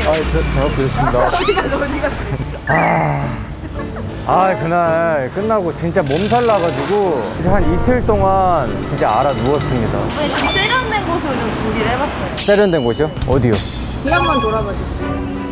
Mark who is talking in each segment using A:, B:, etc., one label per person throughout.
A: 잘 먹겠습니다. 그날 끝나고 진짜 몸살 나가지고 이제 한 이틀 동안 진짜 알아 누웠습니다.
B: 네, 좀 세련된 곳으로 좀 준비를 해봤어요.
A: 세련된 곳이요? 어디요?
B: 뒤 한번 돌아봐 주세요.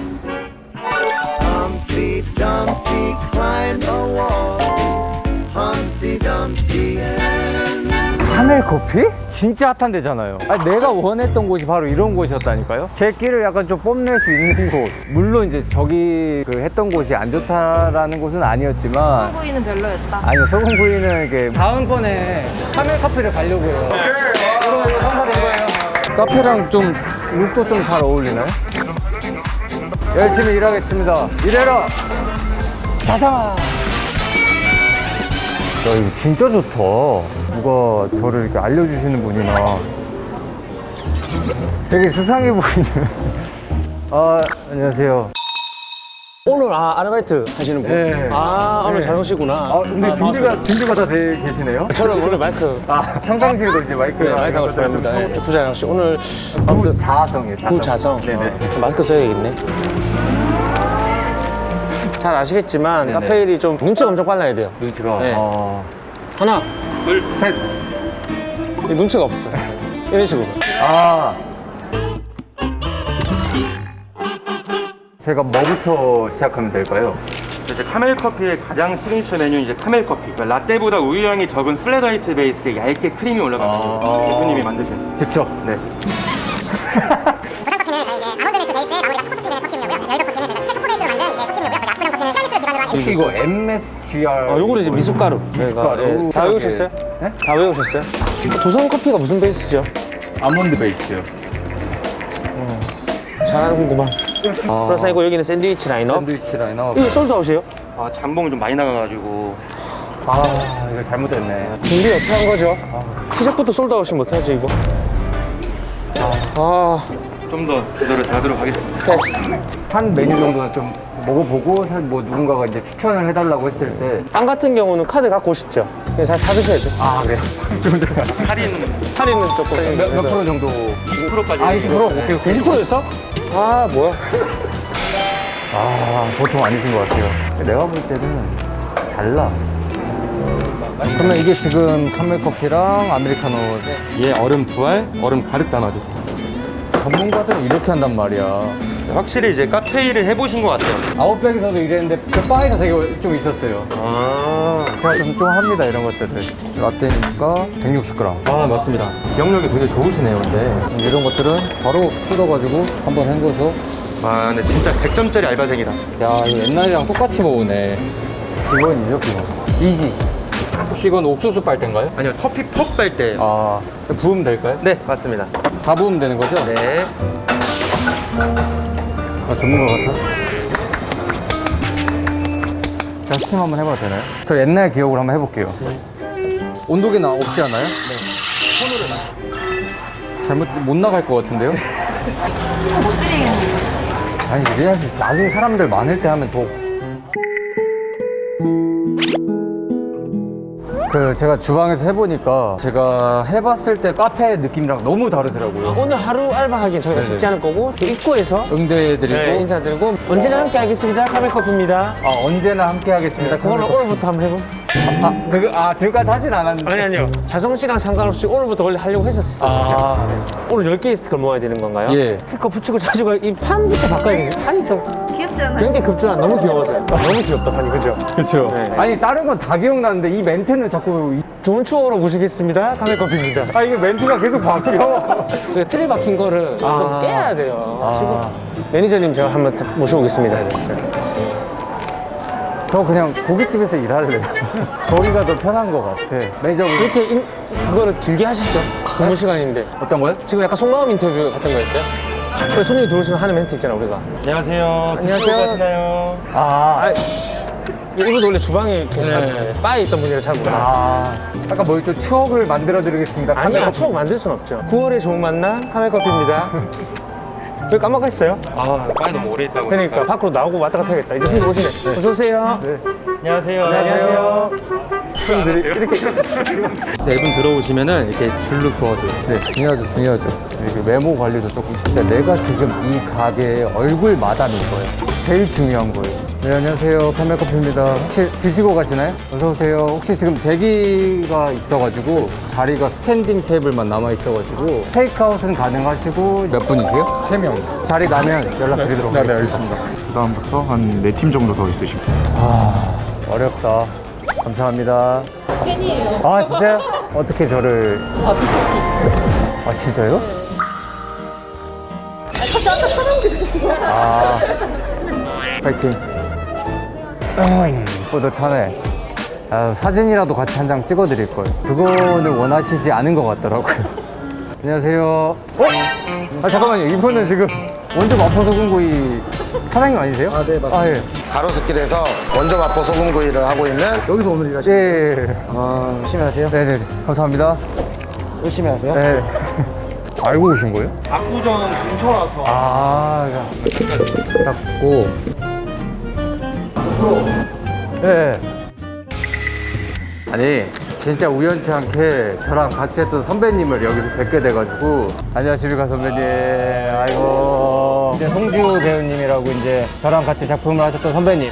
C: Humpty Dumpty climbed a wall. Humpty Dumpty
A: 카멜 커피? 진짜 핫한 데잖아요. 내가 원했던 곳이 바로 이런 곳이었다니까요. 제 끼를 약간 좀 뽐낼 수 있는 곳. 물론 이제 저기 그 했던 곳이 안 좋다라는 곳은 아니었지만
B: 부위는 별로였다.
A: 아니요, 소금구이는 이게 다음번에 카멜 커피를 가려고요. 이거 성사된 거예요. 카페랑 좀 룩도 좀 잘 어울리나요? 열심히 일하겠습니다. 일해라! 자상아! 야, 이거 진짜 좋다. 누가 저를 이렇게 알려주시는 분이나. 되게 수상해 보이는. 안녕하세요.
D: 오늘 아르바이트 하시는 분?
A: 네.
D: 오늘
A: 네.
D: 잘 오시구나.
A: 근데 준비가 다 돼 계시네요?
D: 저는 원래 마이크
A: 평상시에도 이제 마이크가.
D: 마이크 하고 싶습니다. 구자영 씨 오늘
A: 자성이에요, 자성.
D: 구자성.
A: 네네.
D: 마스크 써야겠네. 잘 아시겠지만
A: 네네.
D: 카페 일이 좀 눈치가 엄청 빨라야 돼요.
A: 눈치가.
D: 네. 하나,
A: 둘, 셋.
D: 눈치가 없어요. 이런 식으로.
A: 제가 뭐부터 시작하면 될까요?
E: 이제 카멜 커피의 가장 시그니처 메뉴는 이제 카멜 커피. 그러니까 라떼보다 우유향이 적은 플랫 화이트 베이스에 얇게 크림이 올라가는 대표님이 만드신.
A: 직접. 네. 혹시 이거 MSGR?
D: 요거는 이제 미숫가루.
A: 미숫가루.
D: 다 외우셨어요?
A: 네?
D: 다 외우셨어요? 도선 커피가 무슨 베이스죠?
A: 아몬드 베이스요.
D: 잘하는구만. 플러스 이거 여기는 샌드위치 라인업.
A: 샌드위치 라인업.
D: 이거 솔드아웃이에요?
E: 잠봉이 좀 많이 나가가지고.
A: 이거 잘못됐네.
D: 준비 어떻게 한 거죠? 시작부터 솔드아웃이 못하죠 이거?
E: 좀 더 조절을 잘하도록 하겠습니다.
D: 패스.
A: 한 메뉴 정도는 좀 먹어보고 사실 뭐 누군가가 이제 추천을 해달라고 했을 때
D: 빵 같은 경우는 카드 갖고 오십시오. 그냥 잘 사드셔야죠.
A: 그래요? 좀 잠깐.
E: 할인
D: 할인은 조금.
A: 몇 프로 정도?
E: 20%까지.
A: 20%? 오케이.
D: 20%였어? 뭐야?
A: 보통 아니신 것 같아요. 내가 볼 때는 달라. 그러면 이게 지금 카멜 커피랑 아메리카노
E: 얘 얼음 2알, 얼음 가득 담아주세요.
A: 전문가들은 이렇게 한단 말이야.
E: 확실히 이제 카페 일을 해보신 것 같아요.
A: 아웃백에서도 일했는데 그 바에서 되게 좀 있었어요. 제가 좀 합니다, 이런 것들을. 라떼니까 160g.
E: 맞습니다. 기억력이 되게 좋으시네요, 근데.
A: 이런 것들은 바로 뜯어가지고 한번 헹궈서.
E: 근데 진짜 100점짜리 알바생이다.
A: 야, 이거 옛날이랑 똑같이 먹으네. 기본이죠, 기본. 이지. 혹시 이건 옥수수 빨대인가요?
E: 아니요, 커피 퍽 빨 때.
A: 부으면 될까요?
E: 네, 맞습니다.
A: 다 부으면 되는 거죠?
E: 네.
A: 전문가 같아. 제가 스팀 한번 해봐도 되나요? 저 옛날 기억으로 한번 해볼게요. 온도계는 없지 않아요? 네. 손으로 잘못 못 나갈 것 같은데요?
B: 못 드리겠네요.
A: 아니 이래야지 나중에 사람들 많을 때 하면 더. 제가 주방에서 해보니까 제가 해봤을 때 카페 느낌이랑 너무 다르더라고요.
D: 오늘 하루 알바하기엔 저희가
A: 네네.
D: 쉽지 않을 거고 또 입구에서
A: 응대해드리고
D: 인사드리고 언제나 함께 하겠습니다. 카멜커피입니다.
A: 언제나 함께 하겠습니다.
D: 그걸로 오늘부터 한번 해보.
A: 지금까지 하진 않았는데.
D: 아니요. 자성 씨랑 상관없이 오늘부터 원래 하려고 했었어요. 진짜. 오늘 10개의 스티커를 모아야 되는 건가요?
A: 예.
D: 스티커 붙이고 자시고 이 판부터 바꿔야겠어요. 판이 좀
B: 귀엽지 않아요?
D: 그런 게 급조한 너무 귀여워서요. 너무 귀엽다 판이 그죠?
A: 그렇죠.
D: 네.
A: 아니 다른 건 다 기억나는데 이 멘트는 자꾸
D: 좋은 추억으로 모시겠습니다. 카멜커피입니다.
A: 이게 멘트가 계속 바뀌어.
D: 그 틀이 박힌 거를 좀 깨야 돼요. 지금
A: 아.
D: 매니저님 제가 한번 모셔보겠습니다.
A: 저 그냥 고깃집에서 일할래요. 거기가 더 편한 것 같아. 매니저분
D: 이렇게 그거를 길게 하시죠. 근무 시간인데.
A: 어떤 거요?
D: 지금 약간 속마음 인터뷰 같은 거였어요? 그 손님이 들어오시면 하는 멘트 있잖아 우리가.
E: 안녕하세요.
D: 안녕하세요.
E: 가시나요?
D: 이분도 원래 주방에 계셨거든요. 바에 있던 분이라 잘 몰라요.
A: 아까 뭐 좀 추억을 만들어 드리겠습니다.
D: 아니야, 추억 만들 순 없죠. 9월의 좋은 만남 카멜커피입니다. 왜 깜빡했어요?
E: 빨리 너무 오래 있다고.
D: 그러니까 밖으로 나오고 왔다 갔다 해야겠다. 이제 손님 오시네. 어서 오세요.
E: 안녕하세요.
D: 안녕하세요.
A: 이렇게.
E: 네 분 들어오시면은 이렇게 줄로 그어줘요.
A: 네, 중요하죠, 중요하죠. 이게 외모 관리도 조금. 근데 내가 지금 이 가게의 얼굴 마담인 거예요. 제일 중요한 거예요. 네, 안녕하세요. 카멜커피입니다. 혹시 드시고 가시나요? 어서오세요. 혹시 지금 대기가 있어가지고 자리가 스탠딩 테이블만 남아있어가지고 테이크아웃은 가능하시고 몇 분이세요?
F: 3명.
A: 자리 나면 연락드리도록
F: 네,
A: 하겠습니다.
F: 알겠습니다. 그다음부터 한 4팀 정도 더 있으시고.
A: 어렵다. 감사합니다.
B: 팬이에요.
A: 아, 진짜요? 어떻게 저를.
B: 미스티.
A: 아, 진짜요? 파이팅. 뿌듯하네. 아, 사진이라도 같이 한 장 찍어드릴 걸. 그거는 원하시지 않은 것 같더라고요. 안녕하세요. 아, 잠깐만요. 이분은 지금 원조 마포 소금구이 사장님 아니세요?
G: 아, 네, 맞습니다.
A: 아, 예.
G: 가로수길에서 원조 마포 소금구이를 하고 있는 여기서 오늘
A: 예,
G: 일하시는
A: 예, 예.
G: 아, 열심히 하세요?
A: 네네. 감사합니다.
G: 열심히 하세요?
A: 네. 알고 오신 거예요?
D: 압구정 근처라서.
A: 아, 닦고. 네. 아니, 진짜 우연치 않게 저랑 같이 했던 선배님을 여기서 뵙게 돼가지고. 안녕하십니까, 선배님. 아이고. 이제 송지호 배우님이라고 이제 저랑 같이 작품을 하셨던 선배님.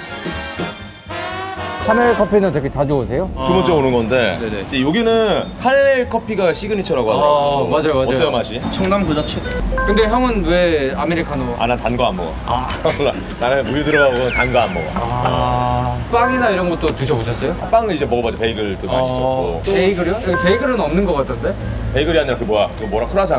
A: 카멜 커피는 되게 자주 오세요?
H: 두 번째 오는 건데 이제 여기는 카멜 커피가 시그니처라고 하더라고요.
A: 맞아요, 맞아요.
H: 어때요 맛이?
E: 청남 그 자체.
A: 근데 형은 왜 아메리카노?
H: 아 난 단 거 안 먹어. 몰라. 나는 우유 들어가고 단 거 안 먹어.
A: 빵이나 이런 것도 드셔보셨어요?
H: 빵은 이제 먹어봤지. 베이글도 많이 있었고.
A: 베이글이요? 여기 베이글은 없는 것 같던데?
H: 베이글이 아니라 그 뭐야? 그 뭐라 크라상.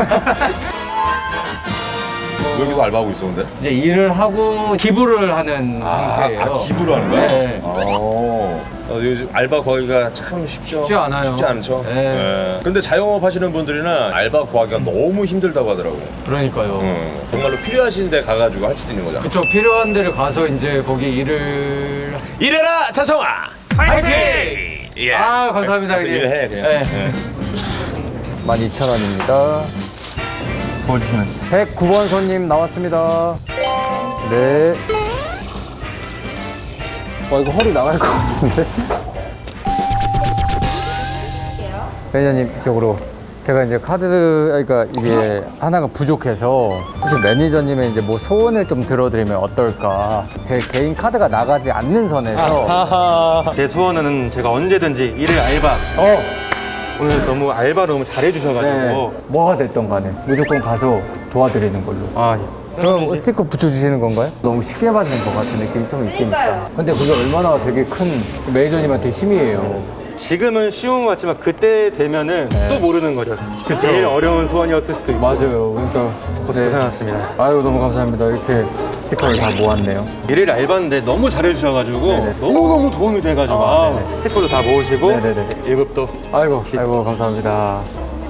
H: 여기서 알바하고 있었는데.
A: 이제 일을 하고 기부를 하는 형태예요.
H: 기부로 하는 거야?
A: 네.
H: 요즘 알바 구하기가 참 쉽죠?
A: 쉽지 않아요.
H: 쉽지 않죠?
A: 네.
H: 네. 근데 자영업 하시는 분들이는 알바 구하기가 너무 힘들다고 하더라고요.
A: 그러니까요.
H: 정말로 필요하신 데 가가지고 할 수도 있는 거잖아.
A: 그쵸, 필요한 데를 가서 이제 거기 일을.
H: 일해라 차성아! 파이팅! 예.
A: 아, 감사합니다.
H: 가서 일해 그냥.
A: 네.
H: 예.
A: 12,000원입니다.
E: 부어주시면.
A: 109번 손님 나왔습니다. 네. 이거 허리 나갈 것 같은데? 매니저님 이쪽으로. 제가 이제 그러니까 이게 하나가 부족해서 혹시 매니저님의 이제 뭐 소원을 좀 들어드리면 어떨까? 제 개인 카드가 나가지 않는 선에서.
E: 제 소원은 제가 언제든지 일을 알바. 오늘 너무 알바 너무 잘해주셔가지고.
A: 네. 뭐가 됐던 간에 무조건 가서 도와드리는 걸로. 그럼 스티커 붙여주시는 건가요? 너무 쉽게 받는 것 같은 느낌이 좀 있긴 있다. 근데 그게 얼마나 되게 큰 매니저님한테 힘이에요.
E: 지금은 쉬운 것 같지만 그때 되면은 또 모르는 거죠. 제일 어려운 소원이었을 수도 있고.
A: 맞아요. 그러니까
E: 고생하셨습니다.
A: 아유, 너무 감사합니다. 이렇게 스티커를 다 모았네요.
E: 일을 알바인데 너무 잘해주셔가지고
A: 네네.
E: 너무너무 도움이 돼가지고 스티커도 다 모으시고
A: 네네네.
E: 1급도
A: 아이고 감사합니다.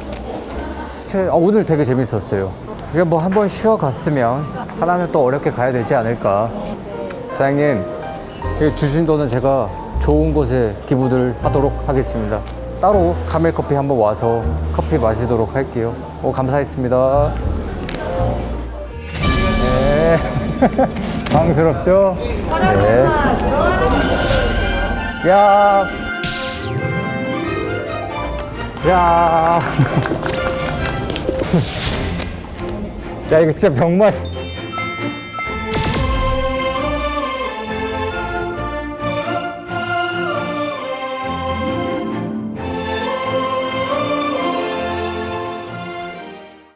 A: 오늘 되게 재밌었어요. 이게 뭐 한번 쉬어갔으면 하나는 또 어렵게 가야 되지 않을까. 사장님, 이 주신 돈은 제가 좋은 곳에 기부를 하도록 하겠습니다. 따로 카멜커피 한번 와서 커피 마시도록 할게요. 감사했습니다. 네. 당스럽죠? 네. 야. 야. 야, 이거 진짜 병맛.